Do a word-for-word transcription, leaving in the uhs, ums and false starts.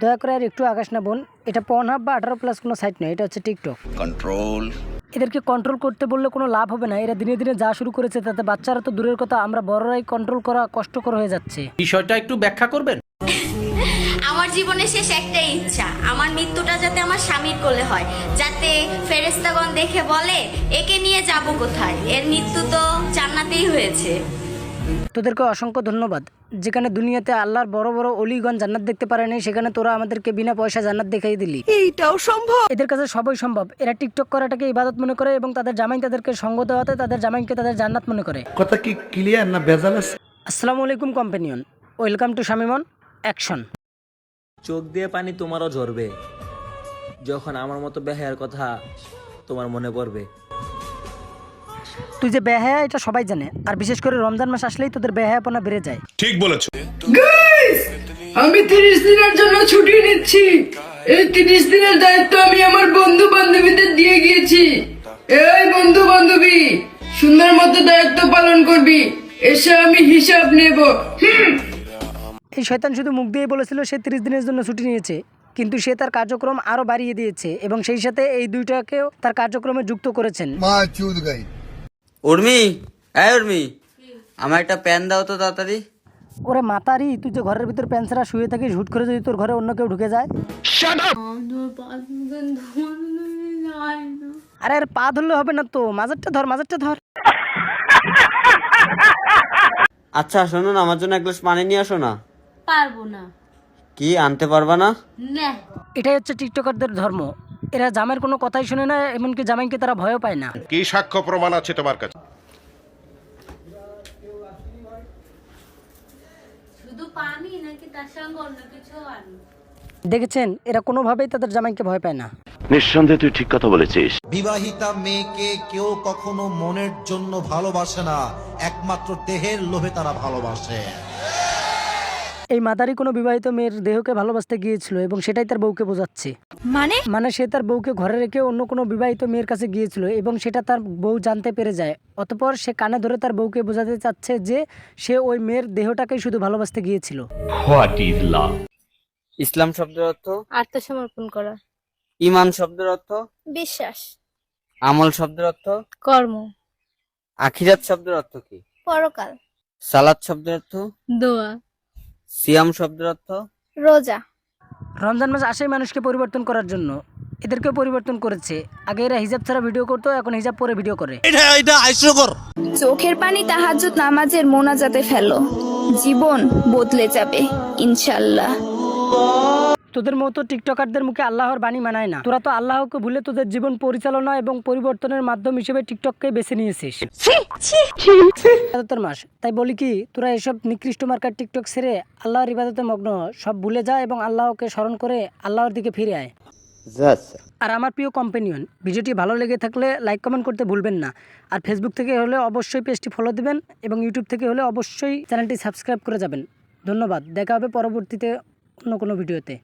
দয়া করে আর একটু আকাশ না বোন, এটা পর্নহাব বা আঠারো প্লাস কোনো সাইট নয়, এটা হচ্ছে টিকটক। কন্ট্রোল। এদেরকে কন্ট্রোল করতে বললে কোনো লাভ হবে না। এরা দিনে দিনে যা শুরু করেছে তাতে বাচ্চারা তো দূরের কথা, আমরা বড়রাই কন্ট্রোল করা কষ্টকর হয়ে যাচ্ছে। বিষয়টা একটু ব্যাখ্যা করবেন? আমার জীবনে শেষ একটাই ইচ্ছা, আমার মৃত্যুটা যাতে আমার স্বামীর কোলে হয়, যাতে ফেরেশতাগণ দেখে বলে একে নিয়ে যাব কোথায়, এর মৃত্যু তো জান্নাতেই হয়েছে। তোদেরকে অসংখ্য ধন্যবাদ। যেখানে দুনিয়াতে আল্লাহর বড় বড় অলিগণ জান্নাত দেখতে পারে নাই, সেখানে তোরা আমাদেরকে বিনা পয়সা জান্নাত দেখাই দিলি। এইটাও সম্ভব? এদের কাছে সবই সম্ভব। এরা টিকটক করাটাকে ইবাদত মনে করে এবং তাদের জামাই তাদেরকে সঙ্গ দেওয়াতে তাদের জামাইকে তাদের জান্নাত মনে করে। কথা কি ক্লিয়ার না ভেজাল আছে? আসসালামু আলাইকুম কম্পেনিয়ন, ওয়েলকাম টু শামিমন অ্যাকশন। চোখ দিয়ে পানি তোমারও ঝরবে যখন আমার মতো বেহায়ার কথা তোমার মনে পড়বে। তুই যে বেহায়া এটা সবাই জানে, আর বিশেষ করে রমজান মাস আসলেই তোদের বেহায়াপনা বেড়ে যায়। ঠিক বলেছো। গাইস, আমি তিরিশ দিনের জন্য ছুটি নিচ্ছি। এই তিরিশ দিনের দায়িত্ব আমি আমার বন্ধু বান্ধবীদের দিয়ে গিয়েছি। এই বন্ধু বান্ধবী, সুন্দর মতো দায়িত্ব পালন করবি, এসে আমি হিসাব নেব। এই শয়তান শুধু মুখ দিয়ে বলেছিল সে তিরিশ দিনের জন্য ছুটি নিয়েছে, কিন্তু সে তার কার্যক্রম আরো বাড়িয়ে দিয়েছে এবং সেই সাথে এই দুইটাকেও তার কার্যক্রমে যুক্ত করেছেন। উর্মি, এই উর্মি, আমার একটা প্যান দাও তো তাড়াতাড়ি। ওরে মাতারি, তুই যে ঘরের ভিতর প্যান্সরা শুয়ে থাকিস, হুট করে যদি তোর ঘরে অন্য কেউ ঢুকে যায়। আরে আর পা ধরলে হবে না তো, মাজারটা ধর, মাজারটা ধর। আচ্ছা শোনো না, আমার জন্য এক গ্লাস পানি নিয়ে আসো না। পারবো না। কি আনতে পারবা না? না। এটাই হচ্ছে টিকটকারদের ধর্ম। এরা জামাইয়ের কোনো কথাই শুনে না, এমনকি জামাইকে তারা ভয়ও পায় না। কি সাক্ষ্য প্রমাণ আছে তোমার কাছে? শুধু পানি নাকি তার সঙ্গে অন্য কিছু আনো? দেখেছেন, এরা কোনোভাবেই তাদের জামাইকে ভয় পায় না। নিঃসন্দেহে তুই ঠিক কথা বলেছিস। বিবাহিতা মেয়েকে কেউ কখনো মনের জন্য ভালোবাসে না, একমাত্র দেহের লোভে তারা ভালোবাসে। এই মাদারি কোনো বিবাহিত মেয়ের দেহকে ভালোবাসতে গিয়েছিল এবং সেটাই তার বউকে বোঝাচ্ছে। মানে মানে সে তার বউকে ঘরে রেখে অন্য কোনো বিবাহিত মেয়ের কাছে গিয়েছিল এবং সেটা তার বউ জানতে পেরে যায়। অতঃপর সে কানে ধরে তার বউকে বোঝাতে চাচ্ছে যে সে ওই মেয়ের দেহটাকেই শুধু ভালোবাসতে গিয়েছিল। What is love? ইসলাম শব্দের অর্থ আত্মসমর্পণ করা। ঈমান শব্দের অর্থ বিশ্বাস। আমল শব্দের অর্থ কর্ম। আখিরাত শব্দের অর্থ কি? পরকাল। সালাত শব্দের অর্থ? দোয়া। সিয়াম শব্দের অর্থ? রোজা। রমজান মাস আসেই মানুষকে পরিবর্তন করার জন্য। এদেরকেও পরিবর্তন করেছে। আগে এরা হিজাব ছাড়া ভিডিও করতো, এখন হিজাব পরে ভিডিও করে। চোখের পানি তাহাজ্জুদ নামাজের মোনাজাতে ফেলো, জীবন বদলে যাবে ইনশাআল্লাহ। তোদের মতো টিকটকারদের মুখে আল্লাহর বাণী মানায় না। তোরা তো আল্লাহকে ভুলে তোদের জীবন পরিচালনা এবং পরিবর্তনের মাধ্যম হিসেবে টিকটককে বেছে নিয়েছিস। ইবাদতের মাস, তাই বলি কি, তোরা এসব নিকৃষ্ট মার্কার টিকটক ছেড়ে আল্লাহর ইবাদতে মগ্ন হ। সব ভুলে যা এবং আল্লাহকে স্মরণ করে আল্লাহর দিকে ফিরে আয়। আর আমার প্রিয় কম্পেনিয়ন, ভিডিওটি ভালো লেগে থাকলে লাইক কমেন্ট করতে ভুলবেন না। আর ফেসবুক থেকে হলে অবশ্যই পেজটি ফলো দিবেন এবং ইউটিউব থেকে হলে অবশ্যই চ্যানেলটি সাবস্ক্রাইব করে যাবেন। ধন্যবাদ। দেখা হবে পরবর্তীতে অন্য কোনো ভিডিওতে।